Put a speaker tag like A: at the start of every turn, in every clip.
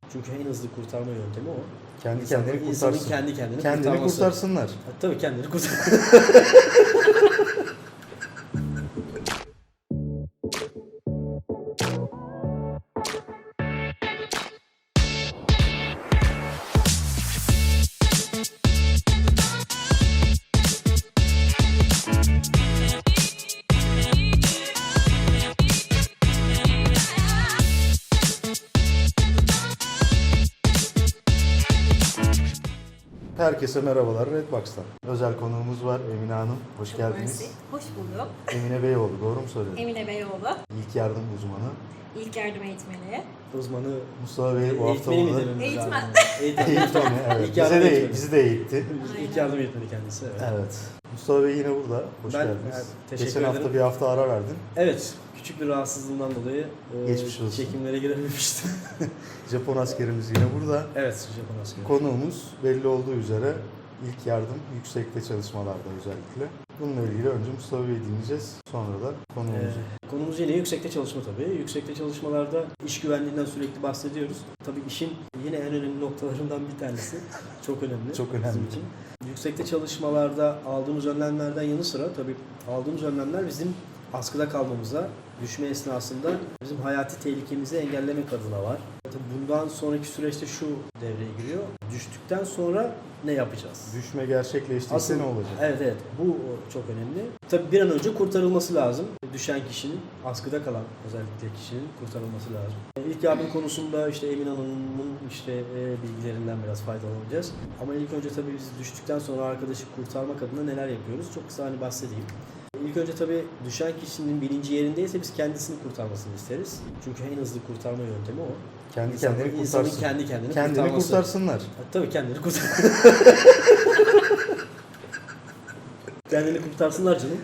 A: Çünkü en hızlı kurtarma yöntemi o.
B: Kendi kendini
A: İnsanın
B: kurtarsın.
A: kendi kendini
B: Kendini
A: kurtarması.
B: kurtarsınlar.
A: Tabii kendini kurtar.
B: Herkese merhabalar Redbox'tan. Özel konuğumuz var Emine Hanım. Hoş geldiniz.
C: Mersi. Hoş bulduk.
B: Emine Beyoğlu, doğru mu söyledim?
C: Emine Beyoğlu,
B: İlk yardım uzmanı.
C: ilk yardım eğitmeni.
A: Uzmanı
B: Mustafa Bey bu hafta
A: eğitmeni mi
B: burada.
A: dememiz
C: Eğitmen.
A: lazım? Eğitmen.
B: Eğitmeni, evet.
A: İlk yardım eğitmeni.
B: Bizi de eğitti.
A: İlk yardım eğitmeni kendisi. Evet.
B: Evet. Mustafa Bey yine burada. Hoş
A: Ben-
B: geldiniz.
A: evet, teşekkür
B: Geçen
A: ederim.
B: hafta bir hafta ara verdin.
A: Evet, küçük bir rahatsızlığımdan dolayı
B: Geçmiş olsun.
A: çekimlere girememiştim.
B: Japon askerimiz yine burada.
A: Evet, Japon askeri.
B: Konuğumuz belli olduğu üzere ilk yardım yüksekte çalışmalarda özellikle. Bununla ilgili önce Mustafa Bey'i dinleyeceğiz. Sonra da konuğumuzu.
A: Konumuz yine yüksekte çalışma tabii. Yüksekte çalışmalarda iş güvenliğinden sürekli bahsediyoruz. Tabii işin yine en önemli noktalarından bir tanesi. Çok önemli.
B: Çok önemli.
A: Bizim için. Yüksekte çalışmalarda aldığımız önlemlerden yanı sıra tabii aldığımız önlemler bizim askıda kalmamıza, düşme esnasında bizim hayati tehlikemizi engellemek adına var. Tabii bundan sonraki süreçte şu devreye giriyor. Düştükten sonra ne yapacağız?
B: Düşme gerçekleştiyse ne olacak?
A: Evet, bu çok önemli. Tabii bir an önce kurtarılması lazım. Düşen kişinin, askıda kalan özellikle kişinin kurtarılması lazım. İlk yardım konusunda işte Emine Hanım'ın bilgilerinden biraz faydalanacağız. Ama ilk önce tabii biz düştükten sonra arkadaşı kurtarmak adına neler yapıyoruz? Çok kısa bahsedeyim. İlk önce tabii düşen kişinin bilinci yerindeyse biz kendisini kurtarmasını isteriz. Çünkü en hızlı kurtarma yöntemi o.
B: Kendi
A: İnsanın
B: kendini kurtarsın.
A: kendi kendini
B: Kendini
A: kurtarması.
B: kurtarsınlar.
A: Tabii kendini kendini kurtarsınlar canım.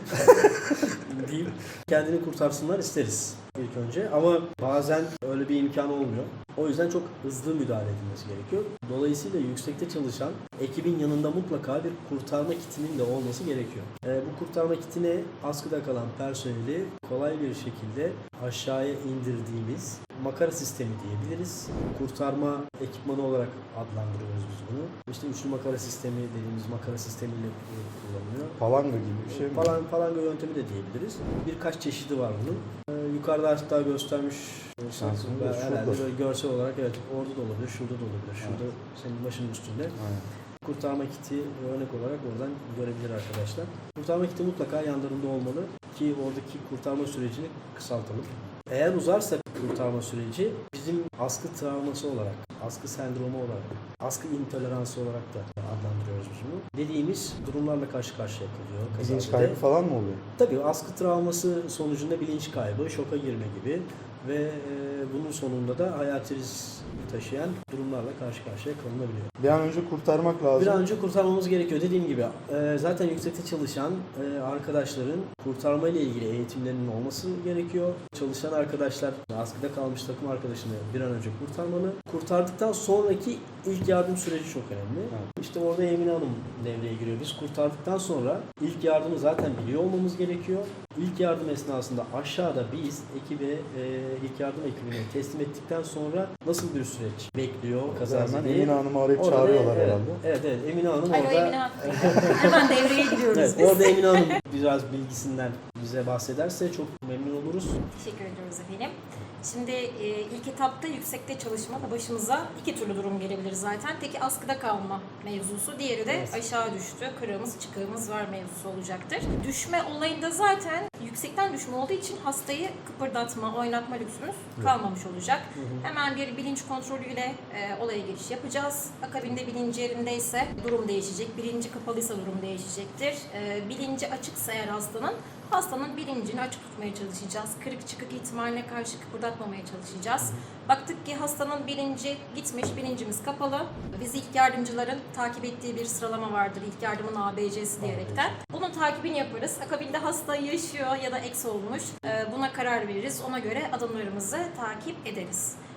A: Diyeyim. Kendini kurtarsınlar isteriz ilk önce. Ama bazen öyle bir imkan olmuyor. O yüzden çok hızlı müdahale edilmesi gerekiyor. Dolayısıyla yüksekte çalışan ekibin yanında mutlaka bir kurtarma kitinin de olması gerekiyor. Bu kurtarma kitine askıda kalan personeli kolay bir şekilde aşağıya indirdiğimiz makara sistemi diyebiliriz. Kurtarma ekipmanı olarak adlandırıyoruz biz bunu. İşte üçlü makara sistemi dediğimiz makara sistemiyle kullanılıyor.
B: Palanga gibi bir şey mi?
A: Palanga yöntemi de diyebiliriz. Birkaç çeşidi var bunun. Yukarıda hatta göstermiş
B: Şansım da
A: herhalde
B: şurada.
A: böyle görsel olarak evet orada da olabilir, şurada da olabilir. Şurada senin başının üstünde.
B: Aynen.
A: Kurtarma kiti örnek olarak oradan görebilir arkadaşlar. Kurtarma kiti mutlaka yanlarında olmalı ki oradaki kurtarma sürecini kısaltalım. Eğer uzarsa kurtarma süreci bizim askı travması olarak, askı sendromu olarak, askı intoleransı olarak da adlandırıyoruz biz bunu. Dediğimiz durumlarla karşı karşıya kalıyor.
B: Bilinç
A: Kazada.
B: kaybı falan mı oluyor?
A: Tabii askı travması sonucunda bilinç kaybı, şoka girme gibi ve bunun sonunda da hayati risk taşıyan durumlarla karşı karşıya kalınabiliyor.
B: Bir an önce kurtarmak lazım.
A: Bir an önce kurtarmamız gerekiyor. Dediğim gibi zaten yüksekte çalışan arkadaşların kurtarma ile ilgili eğitimlerinin olması gerekiyor. Çalışan arkadaşlar askıda kalmış takım arkadaşını bir an önce kurtarmalı. Kurtardıktan sonraki ilk yardım süreci çok önemli.
B: Evet.
A: İşte orada Emine Hanım devreye giriyor. Biz kurtardıktan sonra ilk yardımı zaten biliyor olmamız gerekiyor. İlk yardım esnasında aşağıda biz ekibe, ilk yardım ekibine teslim ettikten sonra nasıl bir süreç bekliyor
B: Hemen
A: kazazede?
B: Emine Hanım'ı arayıp
A: Orada
B: çağırıyorlar
A: evet,
B: herhalde.
A: Evet, Emine Hanım
C: Alo
A: orada.
C: Emine Hanım. Hemen devreye giriyoruz
A: Evet,
C: biz.
A: orada Emine Hanım biraz bilgisinden bize bahsederse çok memnun oluruz.
C: Teşekkür ediyoruz efendim. Şimdi ilk etapta yüksekte çalışmada başımıza iki türlü durum gelebilir zaten. Teki askıda kalma mevzusu, diğeri de
A: Evet.
C: aşağı düştü, kırığımız çıkığımız var mevzusu olacaktır. Düşme olayında zaten yüksekten düşme olduğu için hastayı kıpırdatma, oynatma lüksümüz kalmamış olacak. Hemen bir bilinç kontrolüyle olaya giriş yapacağız. Akabinde bilinci yerindeyse durum değişecek, bilinci kapalıysa durum değişecektir. Bilinci açıksa eğer hastanın bilincini açık tutmaya çalışacağız. Kırık çıkık ihtimaline karşı kıpırdatmamaya çalışacağız. Baktık ki hastanın bilinci gitmiş, bilincimiz kapalı. Biz ilk yardımcıların takip ettiği bir sıralama vardır. İlk yardımın ABC'si diyerekten. Bunun takibini yaparız. Akabinde hasta yaşıyor ya da eks olmuş. Buna karar veririz. Ona göre adımlarımızı takip ederiz.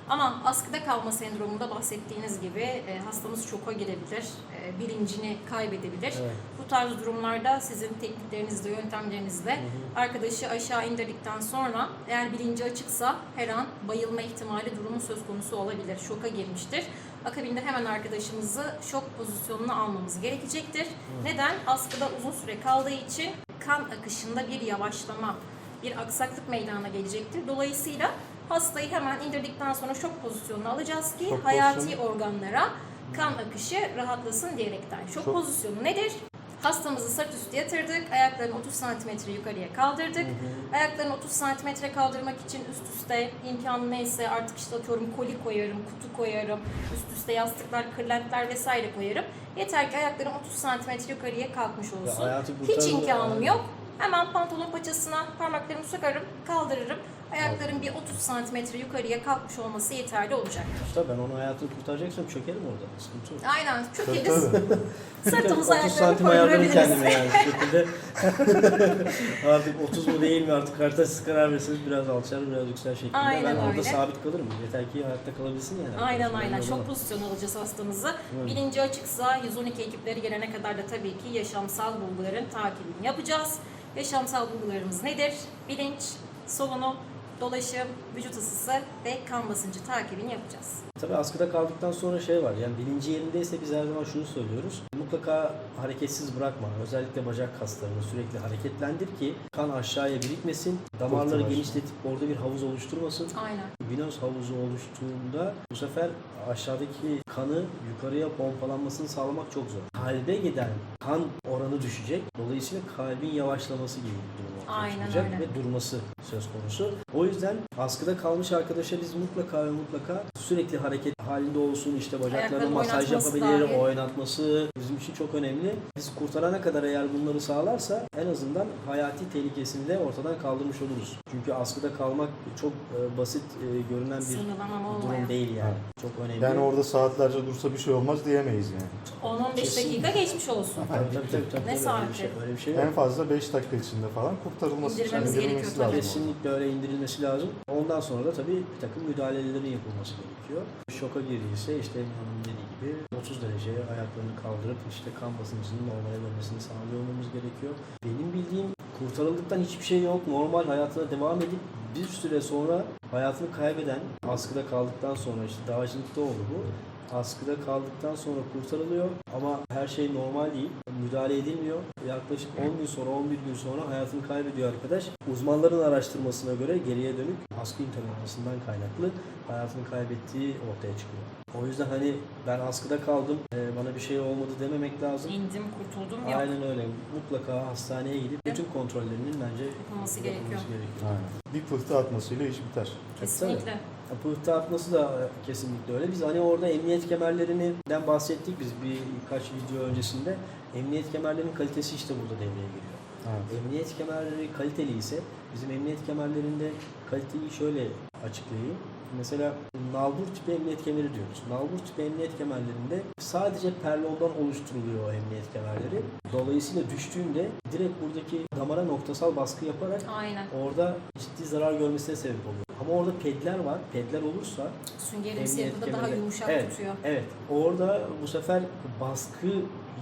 C: Ama askıda kalma sendromunda bahsettiğiniz gibi hastamız şoka girebilir, bilincini kaybedebilir.
A: Evet.
C: Bu tarz durumlarda sizin tekniklerinizle, yöntemlerinizle arkadaşı aşağı indirdikten sonra eğer bilinci açıksa her an bayılma ihtimali durumu söz konusu olabilir. Şoka girmiştir. Akabinde hemen arkadaşımızı şok pozisyonuna almamız gerekecektir. Neden? Askıda uzun süre kaldığı için kan akışında bir yavaşlama, bir aksaklık meydana gelecektir. Dolayısıyla hastayı hemen indirdikten sonra şok pozisyonuna alacağız ki
B: Şok
C: hayati
B: pozisyonu.
C: organlara kan akışı rahatlasın diyerekten. Şok
B: Şok-
C: pozisyonu nedir? Hastamızı sırt üstü yatırdık, ayaklarını 30 cm yukarıya kaldırdık. Ayaklarını 30 cm kaldırmak için üst üste imkanı neyse artık işte atıyorum koli koyarım, kutu koyarım, üst üste yastıklar, kırlentler vesaire koyarım. Yeter ki ayaklarım 30 cm yukarıya kalkmış olsun.
A: hayatı
C: Hiç
A: kurtarır-
C: imkanım yok. Hemen pantolon paçasına parmaklarımı sokarım, kaldırırım. Ayakların bir 30 cm yukarıya kalkmış olması yeterli olacaktır.
A: Usta ben onun hayatını kurtaracaksam çökerim orada. Sıkıntı yok.
C: Aynen,
B: Tabii,
C: çökeriz.
B: tabii.
C: Sırtımıza
A: 30
C: ayaklarını
A: santim ayarlarım
C: koydurabiliriz.
A: kendime yani bir şekilde. Artık 30 mu değil mi artık karta siz karar verirseniz biraz alçar biraz yüksel şeklinde.
C: Aynen
A: ben orada
C: öyle.
A: sabit kalırım. Yeter ki hayatta kalabilsin yani.
C: Aynen
A: Ben
C: aynen.
A: de
C: Şok
A: olamam.
C: pozisyonu alacağız hastamızı.
A: Evet.
C: Bilinci açıksa 112 ekipleri gelene kadar da tabii ki yaşamsal bulguların takibini yapacağız. Yaşamsal bulgularımız nedir? Bilinç, solunum, dolaşım, vücut ısısı ve kan basıncı takibini yapacağız.
A: Tabii askıda kaldıktan sonra şey var yani bilinci yerindeyse biz her zaman şunu söylüyoruz. Mutlaka hareketsiz bırakma. Özellikle bacak kaslarını sürekli hareketlendir ki kan aşağıya birikmesin. Damarları
B: Fırtınalar.
A: genişletip orada bir havuz oluşturmasın.
C: Aynen.
A: Venöz havuzu oluştuğunda bu sefer aşağıdaki kanı yukarıya pompalanmasını sağlamak çok zor. Kalbe giden kan oranı düşecek. Dolayısıyla kalbin yavaşlaması gibi bir durum ortaya
C: Aynen
A: çıkacak
C: öyle.
A: ve durması söz konusu. O yüzden askıda kalmış arkadaşa biz mutlaka ve mutlaka sürekli hareket halinde olsun, işte bacaklarına
C: Ayaklarını
A: masaj
C: oynatması
A: yapabilir,
C: dahil.
A: oynatması bizim için çok önemli. Biz kurtarana kadar eğer bunları sağlarsa en azından hayati tehlikesini de ortadan kaldırmış oluruz. Çünkü askıda kalmak çok basit görünen bir
C: Sınırlamam
A: durum
C: olmayan.
A: değil yani. Çok önemli.
B: Yani orada saatlerce dursa bir şey olmaz diyemeyiz yani.
C: 10-15
A: Kesinlikle.
C: dakika geçmiş olsun.
A: Tabii.
C: Ne
A: Öyle
C: saati?
A: bir şey, öyle bir şey
B: En
A: yok.
B: fazla 5 dakika içinde falan kurtarılması
C: İndirmemiz
B: indirilmesi
C: gerekiyor
B: lazım.
C: tabii.
A: Kesinlikle öyle indirilmesi lazım. Ondan sonra da tabii bir takım müdahalelerin yapılması gerekiyor. Şoka girdiyse işte Emin Hanım'ın dediği gibi 30 dereceye ayaklarını kaldırıp işte kan basıncının normale dönmesini sağlamamız gerekiyor. Benim bildiğim kurtarıldıktan hiçbir şey yok. Normal hayatına devam edip bir süre sonra hayatını kaybeden, askıda kaldıktan sonra işte dağcılıkta oldu bu. Askıda kaldıktan sonra kurtarılıyor ama her şey normal değil. Müdahale edilmiyor. Yaklaşık 10 gün sonra, 11 gün sonra hayatını kaybediyor arkadaş. Uzmanların araştırmasına göre geriye dönük askı intoleransinden kaynaklı hayatını kaybettiği ortaya çıkıyor. O yüzden hani ben askıda kaldım, bana bir şey olmadı dememek lazım.
C: İndim, kurtuldum yok.
A: Aynen öyle. Mutlaka hastaneye gidip bütün kontrollerinin bence
C: Yapılması gerekiyor.
B: Aynen. Bir pıhtı atmasıyla iş biter.
C: Kesinlikle.
A: Pıhtı atması da kesinlikle öyle. Biz hani orada emniyet kemerlerinden bahsettik biz birkaç video öncesinde. Emniyet kemerlerinin kalitesi işte burada devreye giriyor.
B: Evet.
A: Emniyet kemerleri kaliteli ise bizim emniyet kemerlerinde kaliteyi şöyle açıklayayım. Mesela nalbur tipi emniyet kemeri diyoruz. Nalbur tipi emniyet kemerlerinde sadece perlondan oluşturuluyor o emniyet kemerleri. Dolayısıyla düştüğünde direkt buradaki damara noktasal baskı yaparak
C: Aynen.
A: orada ciddi zarar görmesine sebep oluyor. Ama orada pedler var. Pedler olursa
C: Süngerimsi
A: emniyet
C: yapıda daha
A: kemeri-
C: yumuşak
A: evet,
C: tutuyor.
A: Evet. Orada bu sefer baskıyı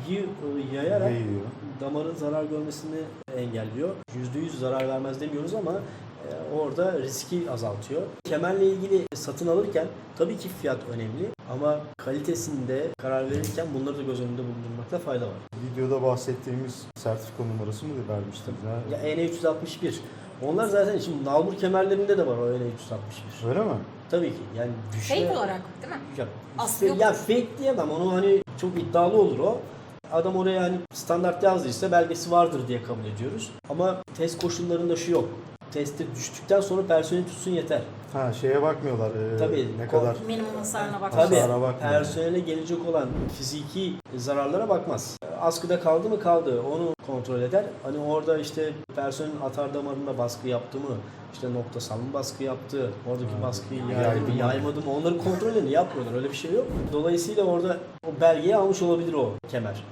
A: yayarak
B: Yayıyor.
A: damarın zarar görmesini engelliyor. %100 zarar vermez demiyoruz ama orada riski azaltıyor. Kemerle ilgili satın alırken tabii ki fiyat önemli ama kalitesinde karar verirken bunları da göz önünde bulundurmakta fayda var.
B: Videoda bahsettiğimiz sertifika numarası mı vermiştim?
A: Ya EN361. Onlar zaten şimdi nalbur kemerlerinde de var o EN361.
B: Öyle mi?
A: Tabii ki yani düşme...
C: Fake olarak değil mi?
A: Ya,
C: Aslı yok.
A: ya fake diyemem onu hani çok iddialı olur o. Adam oraya hani standart yazdıysa belgesi vardır diye kabul ediyoruz. Ama test koşullarında şu yok. Teste düştükten sonra personel tutsun yeter.
B: Ha şeye bakmıyorlar.
A: Tabii,
B: Ne kadar
C: Minimum hasarına bak.
A: Tabii
B: Hasara bakmıyor.
A: personele gelecek olan fiziki zararlara bakmaz. Askıda kaldı mı kaldı onu kontrol eder. Hani orada işte personelin atar damarında baskı yaptı mı, işte noktasal mı baskı yaptı, oradaki baskıyı yaydı mı, yaymadı mı onları kontrolünü yapmıyorlar. Öyle bir şey yok. Dolayısıyla orada o belgeyi almış olabilir o kemer.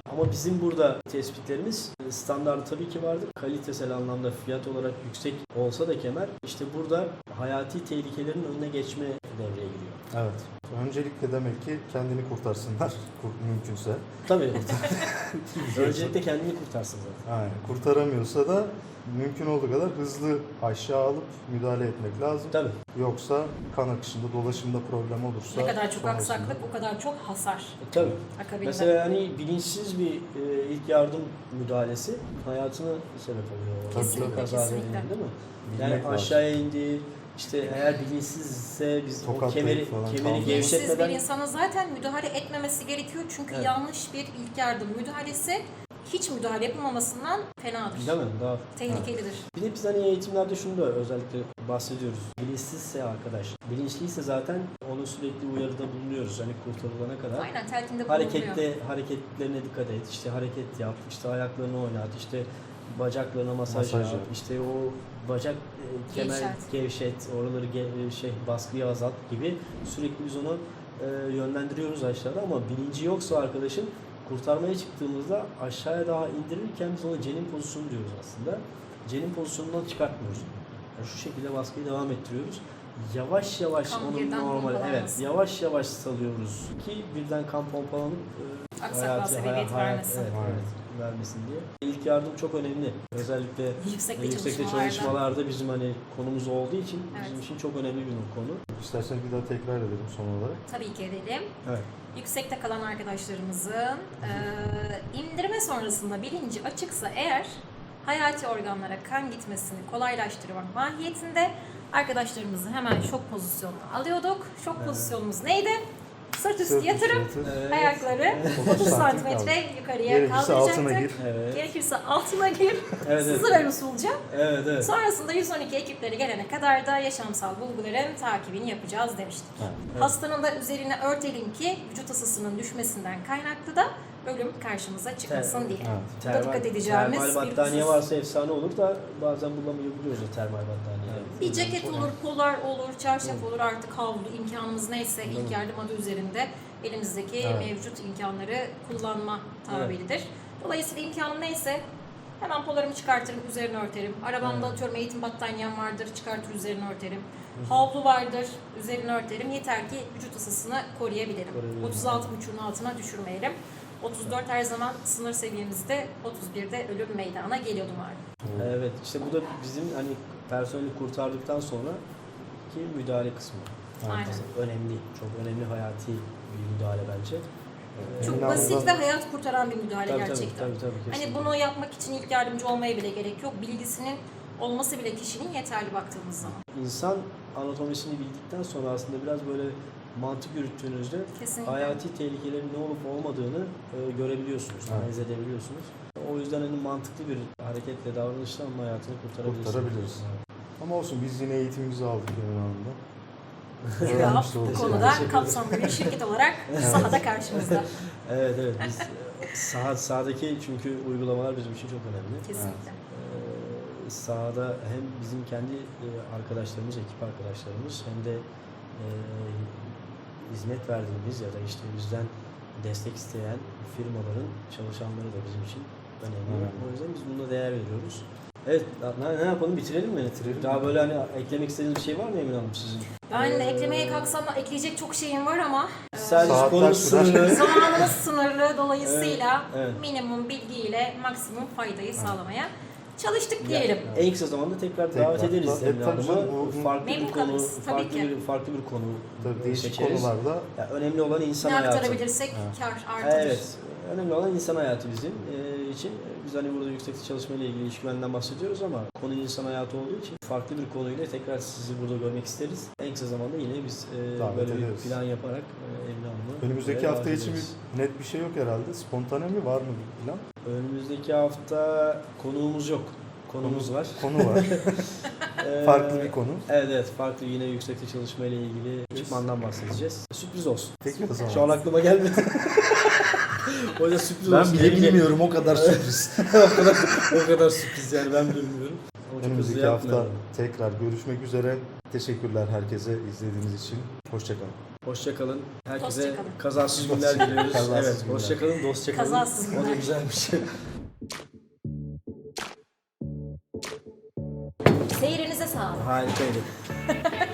A: Ama bizim burada tespitlerimiz standartı tabii ki vardır. Kalitesel anlamda fiyat olarak yüksek olsa da kemer işte burada hayati tehlikelerin önüne geçme devreye giriyor.
B: Evet. Öncelikle demek ki kendini kurtarsınlar mümkünse.
A: Tabii. Öncelikle kendini kurtarsın zaten.
B: Aynen. Kurtaramıyorsa da mümkün olduğu kadar hızlı aşağı alıp müdahale etmek lazım.
A: Tabii.
B: Yoksa kan akışında, dolaşımda problem olursa...
C: Ne kadar çok
B: sonrasında-
C: aksaklık o kadar çok hasar
A: Tabii.
C: akabinde.
A: Mesela hani bilinçsiz bir ilk yardım müdahalesi hayatına sebep oluyor.
C: Kesinlikle,
A: Kaza
C: kesinlikle.
A: verelim, değil mi?
B: Bilmek
A: Yani
B: lazım.
A: aşağıya indi, işte eğer bilinçsizse biz o
B: Tokatlayıp
A: kemeri
B: falan
C: Bilinçsiz bir
A: gevşetmeden
C: insana zaten müdahale etmemesi gerekiyor. Çünkü
A: Evet.
C: yanlış bir ilk yardım müdahalesi hiç müdahale yapılmamasından fenadır.
A: değil mi? Daha
C: Tehlikelidir.
A: bir de biz hani eğitimlerde şunu da özellikle bahsediyoruz. Bilinçsizse arkadaş, bilinçliyse zaten onu sürekli uyarıda bulunuyoruz. Hani kurtarılana kadar.
C: Aynen telkinde bulunuyor.
A: Hareketlerine dikkat et, işte hareket yap, işte ayaklarını oynat, işte bacaklarına masaj
B: Masaj
A: yap,
B: yap.
A: işte o bacak kemer gevşet, oraları baskıyı azalt gibi sürekli biz onu yönlendiriyoruz aşağıda ama bilinci yoksa arkadaşın kurtarmaya çıktığımızda aşağıya daha indirirken biz ona cenin pozisyonu diyoruz aslında. Cenin pozisyonundan çıkartmıyoruz. Yani şu şekilde baskıyı devam ettiriyoruz. Yavaş yavaş
C: Kan
A: onun
C: birden
A: normal, evet,
C: pompalanması.
A: yavaş yavaş salıyoruz ki birden kan pompalanıp
C: Aksaklığa sebebiyet vermesin.
A: Evet, vermesin diye. İlk yardım çok önemli. Özellikle
C: Yüksekte
A: yüksekte
C: çalışmalarda.
A: çalışmalarda bizim hani konumuz olduğu için bizim
C: Evet.
A: için çok önemli bir konu.
B: İsterseniz bir daha tekrar edelim son olarak.
C: Tabii ki edelim.
A: Evet.
C: Yüksekte kalan arkadaşlarımızın indirme sonrasında bilinci açıksa eğer hayati organlara kan gitmesini kolaylaştırmak mahiyetinde arkadaşlarımızı hemen şok pozisyonuna alıyorduk. Şok pozisyonumuz neydi? Sırt üstü yatırıp
A: Evet.
C: ayakları 30 santimetre yukarıya
B: Gerekirse altına
C: kaldıracaktık.
B: gir.
A: Evet.
C: Gerekirse altına gir.
A: Evet, evet.
C: Sızı ver usulca.
A: Evet, evet.
C: Sonrasında 112 ekipleri gelene kadar da yaşamsal bulguların takibini yapacağız demiştik.
A: Evet.
C: Hastanın da üzerine örtelim ki vücut ısısının düşmesinden kaynaklı da ölüm karşımıza çıkmasın diye.
B: Evet.
C: Bu da dikkat edeceğimiz
A: termal
C: bir
A: battaniye
C: husus.
A: varsa efsane olur da bazen bulamayabiliyoruz o termal battaniye.
C: Bir ceket olur, polar olur, çarşaf olur artık havlu imkanımız neyse ilk yardım adı üzerinde elimizdeki
B: Evet.
C: mevcut imkanları kullanma tabiridir. Dolayısıyla imkanım neyse hemen polarımı çıkartırım, üzerine örterim. Arabamda atıyorum eğitim battaniyem vardır, çıkartır üzerine örterim. Havlu vardır, üzerine örterim. Yeter ki vücut ısısını koruyabilirim. 36,5'un altına düşürmeyelim. 34 her zaman sınır seviyemizde, 31'de ölüm meydana geliyordu malum.
A: Evet, işte bu da bizim hani personeli kurtardıktan sonra ki müdahale kısmı.
C: Aynen.
A: Önemli, çok önemli hayati bir müdahale bence.
C: Çok
B: Emin
C: basit
B: Hanım'dan-
C: ve hayat kurtaran bir müdahale
A: Tabii,
C: gerçekten.
A: tabii,
C: Hani
A: kesinlikle.
C: bunu yapmak için ilk yardımcı olmaya bile gerek yok. Bilgisinin olması bile kişinin yeterli baktığımız zaman.
A: İnsan anatomisini bildikten sonra aslında biraz böyle mantık yürüttüğünüzde
C: Kesinlikle.
A: hayati tehlikelerin ne olup olmadığını görebiliyorsunuz,
B: Evet.
A: analiz edebiliyorsunuz. O yüzden hani mantıklı bir hareketle, davranışla onun hayatını kurtarabilirsiniz.
B: Kurtarabiliriz. Ama olsun biz yine eğitimimizi aldık Emin Hanım'dan.
C: Graf
B: Öğrenmiş
C: bu
B: olduk.
C: konuda
A: Teşekkür
C: kapsamlı bir şirket olarak sahada karşımızda.
A: Evet, evet. Biz sahadaki çünkü uygulamalar bizim için çok önemli.
C: Kesinlikle.
A: Sahada hem bizim kendi arkadaşlarımız, ekip arkadaşlarımız hem de hizmet verdiğimiz ya da işte bizden destek isteyen firmaların çalışanları da bizim için önemli.
B: Evet.
A: O yüzden biz buna değer veriyoruz. Evet, ne yapalım? Bitirelim mi?
B: Bitirelim.
A: Daha böyle hani eklemek istediğiniz bir şey var mı Emin Hanım sizin?
C: Ben de eklemeye kalksam da ekleyecek çok şeyim var ama
A: Sadece
B: Saatler
A: konu
B: sürer.
A: sınırlı.
C: zamanımız sınırlı dolayısıyla
A: Evet, evet.
C: minimum bilgiyle maksimum faydayı sağlamaya çalıştık diyelim.
A: En kısa zamanda tekrar davet ederiz
B: Tabii,
A: Emine
B: tabii canım,
A: Hanım'ı.
B: bu-
A: Farklı bir
C: Memnun
A: konu,
C: kalırız, tabii ki.
A: farklı bir konu
B: Tabii değişik
A: seçeriz.
B: konularda
A: Ya önemli olan insan
C: Ne
A: hayatı.
C: aktarabilirsek
B: Evet.
C: kar artıdır.
A: Evet. Önemli olan insan hayatı bizim için. Biz hani burada yüksekte çalışma ile ilgili iş güveninden bahsediyoruz ama konu insan hayatı olduğu için farklı bir konuyla tekrar sizi burada görmek isteriz. En kısa zamanda yine biz
B: Davet
A: böyle bir
B: ederiz.
A: plan yaparak Emine Hanım'ı
B: önümüzdeki
A: buraya
B: hafta
A: davet
B: için
A: ederiz.
B: net bir şey yok herhalde. Spontane mi var mı bir plan?
A: Önümüzdeki hafta konuğumuz yok. Konumuz var.
B: Konu var.
A: Ee,
B: Farklı bir konu.
A: Evet, evet, farklı yine yüksekte çalışma ile ilgili ekipmandan bahsedeceğiz. Sürpriz olsun.
B: Peki o zaman.
A: Şu an aklıma gelmedi. O yüzden sürpriz
B: Ben
A: olsun.
B: bile bilmiyorum o kadar sürpriz.
A: o kadar sürpriz yani ben bilmiyorum. O çok
B: Önümüzdeki
A: hızlı
B: hafta
A: yapmayalım.
B: tekrar görüşmek üzere. Teşekkürler herkese izlediğiniz için. Hoşçakalın.
A: Hoşçakalın. Herkese
C: Dostça kalın.
A: kazasız günler diliyoruz.
B: Kazasız
A: Evet,
B: günler.
A: hoşçakalın, dostça kalın.
C: Kazasız
A: O da
C: günler.
A: güzelmiş.
C: Seyrinize sağlık.
A: Harikaydı.